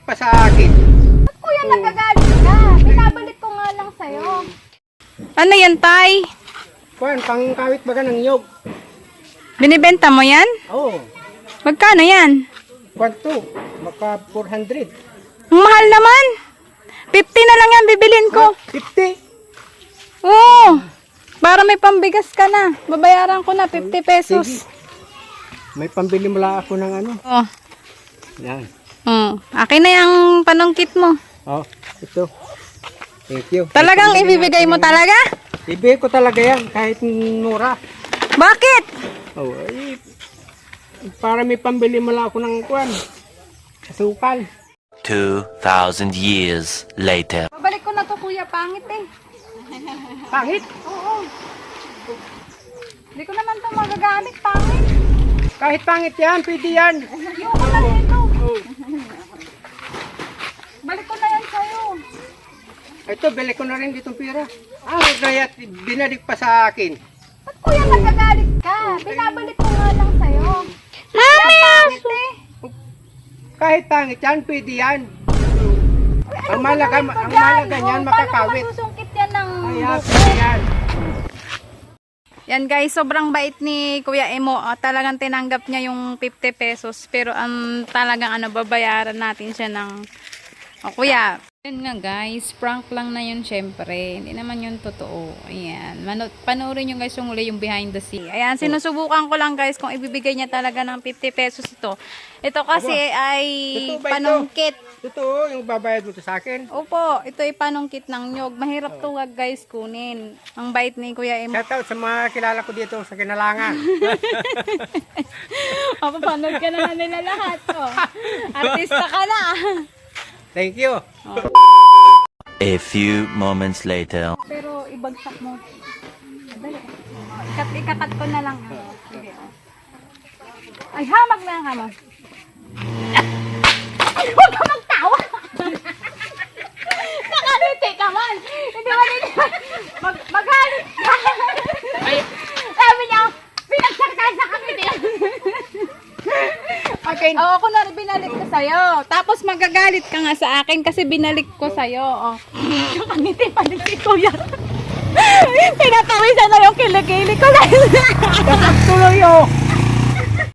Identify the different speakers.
Speaker 1: pa sa akin.
Speaker 2: Ba't kuya nagagalit ka? Binabalik ko nga lang sa'yo.
Speaker 3: Ano yan, Tay?
Speaker 1: Kuan, pangkawit baga ng nyog.
Speaker 3: Binibenta mo yan?
Speaker 1: Oo.
Speaker 3: Magkano yan?
Speaker 1: Kuan to, maka 400.
Speaker 3: Ang mahal naman. 50 na lang yan bibilin ko.
Speaker 1: 50.
Speaker 3: Oo. Para may pambigas ka na. Babayaran ko na 50 pesos.
Speaker 1: Sige. May pambili mula ako ng ano.
Speaker 3: Oh.
Speaker 1: Yan.
Speaker 3: Akin na yung panungkit mo.
Speaker 1: Oh, ito. Thank you.
Speaker 3: Talagang ibibigay mo talaga?
Speaker 1: Ibigay ko talaga yan, kahit mura.
Speaker 3: Bakit?
Speaker 1: Oh, ay, para may pambili mula ako ng kuan. Asukal.
Speaker 4: 2,000 years later.
Speaker 2: Babalik ko na to kuya, pangit eh.
Speaker 1: Pangit.
Speaker 2: Oo. Hindi ko naman to magagamit, pangit.
Speaker 1: Kahit pangit yan, pwede yan.
Speaker 2: Ayoko na nito.
Speaker 1: Oh.
Speaker 2: Balik ko na yan sa'yo.
Speaker 1: Ito, bili ko na rin ditong pira. Gaya, binalik pa sa akin.
Speaker 2: Ba't kuya nagagalit ka? Binabalik ko nga lang sa'yo.
Speaker 3: Mami!
Speaker 2: Pangit eh.
Speaker 1: Kahit pangit yan, pwede yan. Ang malaga niyan, makakawit.
Speaker 2: Paano ko masusungkit yan ng
Speaker 1: Kaya,
Speaker 2: buko?
Speaker 1: pwede yan.
Speaker 3: Yan guys, sobrang bait ni Kuya Emo. Talagang tinanggap niya yung 50 pesos. Pero talagang babayaran natin siya ng... Kuya, yun nga guys, prank lang na yun syempre. Hindi naman yun totoo. Ayan. Panoorin nyo guys yung uli yung behind the scene. Ayan, sinusubukan ko lang guys kung ibibigay niya talaga ng 50 pesos ito. Ito kasi ay
Speaker 1: Totoo ba ito?
Speaker 3: panungkit.
Speaker 1: Totoo, yung babayad mo to sa akin.
Speaker 3: Opo, ito ay panungkit ng nyog. Mahirap to guys kunin. Ang bait ni Kuya Emo.
Speaker 1: Shout out sa mga kilala ko dito sa Kinalangan.
Speaker 3: Papapanood ka na nila lahat. Oh. Artista ka na.
Speaker 1: Thank you.
Speaker 4: A few moments later.
Speaker 3: Pero ibagsak mo. Dali. Ikakat ko na lang. Sige. Ay, hamag na ang hamag. Ay, huwag ka magtawa! Nakaliti ka man! Hindi man hindi. Magalit ka! Sabi niya, pinagsak tayo sa kami din.
Speaker 1: Okay.
Speaker 3: Oo, ako na binalik ko sa'yo. Tapos magagalit ka nga sa akin kasi binalik ko sa'yo. Oh. Nakangiti pa din si Kuya. Pinatawisan na yung kilikili ko.
Speaker 1: Tuloy oh.